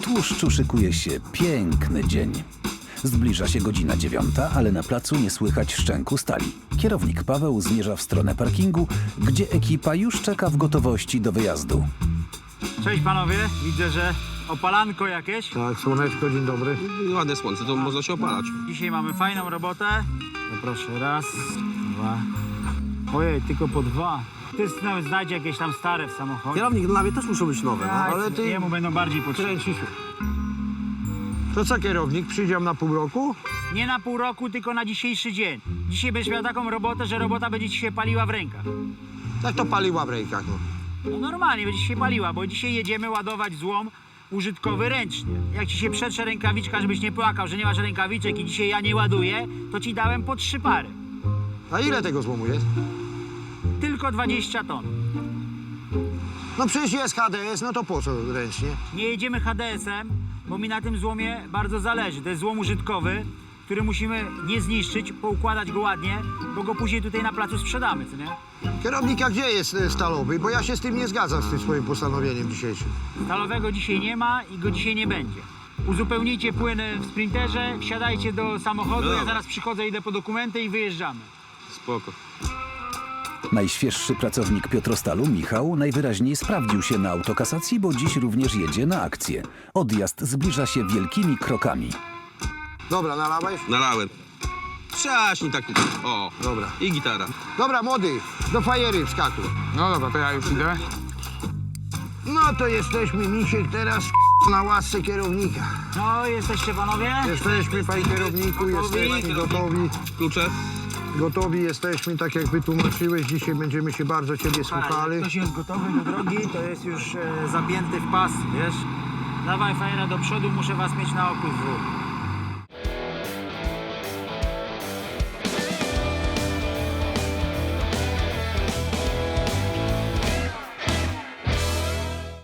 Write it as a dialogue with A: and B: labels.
A: tłuszczu szykuje się piękny dzień. Zbliża się godzina 9, ale na placu nie słychać szczęku stali. Kierownik Paweł zmierza w stronę parkingu, gdzie ekipa już czeka w gotowości do wyjazdu.
B: Cześć panowie, widzę, że opalanko jakieś.
C: Tak, słoneczko, dzień dobry.
D: Ładne słońce, to można się opalać.
B: Dzisiaj mamy fajną robotę. No proszę, raz, dwa. Ojej, tylko po dwa. Ty nawet znajdzie jakieś tam stare w samochodzie.
D: Kierownik, dla mnie też muszą być nowe, no.
C: ale ty-
B: Jemu będą bardziej potrzebne.
C: Kręcisz. To co, kierownik, przyjdziemy na pół roku?
B: Nie na pół roku, tylko na dzisiejszy dzień. Dzisiaj będziesz miał taką robotę, że robota będzie ci się paliła w rękach.
C: Tak to paliła w rękach, no.
B: No normalnie będzie ci się paliła, bo dzisiaj jedziemy ładować złom użytkowy ręcznie. Jak ci się przetrze rękawiczka, żebyś nie płakał, że nie masz rękawiczek i dzisiaj ja nie ładuję, to ci dałem po 3 pary.
C: A ile tego złomu jest?
B: Tylko 20 ton.
C: No przecież jest HDS, no to po co ręcznie?
B: Nie jedziemy HDS-em, bo mi na tym złomie bardzo zależy. To jest złom użytkowy, który musimy nie zniszczyć, poukładać go ładnie, bo go później tutaj na placu sprzedamy, co nie?
C: Kierownik, a gdzie jest stalowy? Bo ja się z tym nie zgadzam, z tym swoim postanowieniem dzisiejszym.
B: Stalowego dzisiaj nie ma i go dzisiaj nie będzie. Uzupełnijcie płyny w sprinterze, wsiadajcie do samochodu, ja zaraz przychodzę, idę po dokumenty i wyjeżdżamy.
D: Spoko.
A: Najświeższy pracownik Piotrostalu, Michał, najwyraźniej sprawdził się na autokasacji, bo dziś również jedzie na akcję. Odjazd zbliża się wielkimi krokami.
C: Dobra, nalałeś?
D: Nalałem. Trzaśnij tak. O,
C: Dobra.
D: i gitara.
C: Dobra, młody, do fajery wskakuj.
E: No dobra, to ja już idę.
C: No to jesteśmy, misiek, teraz na łasce kierownika.
B: No, jesteście panowie?
C: Jesteśmy, panie kierowniku, jesteśmy gotowi.
D: Klucze?
C: Gotowi jesteśmy, tak jak wytłumaczyłeś, dzisiaj będziemy się bardzo ciebie słuchali.
B: Ktoś jest gotowy do drogi, to jest już zapięty w pas, wiesz? Dawaj fajera do przodu, muszę was mieć na oku z dwóch.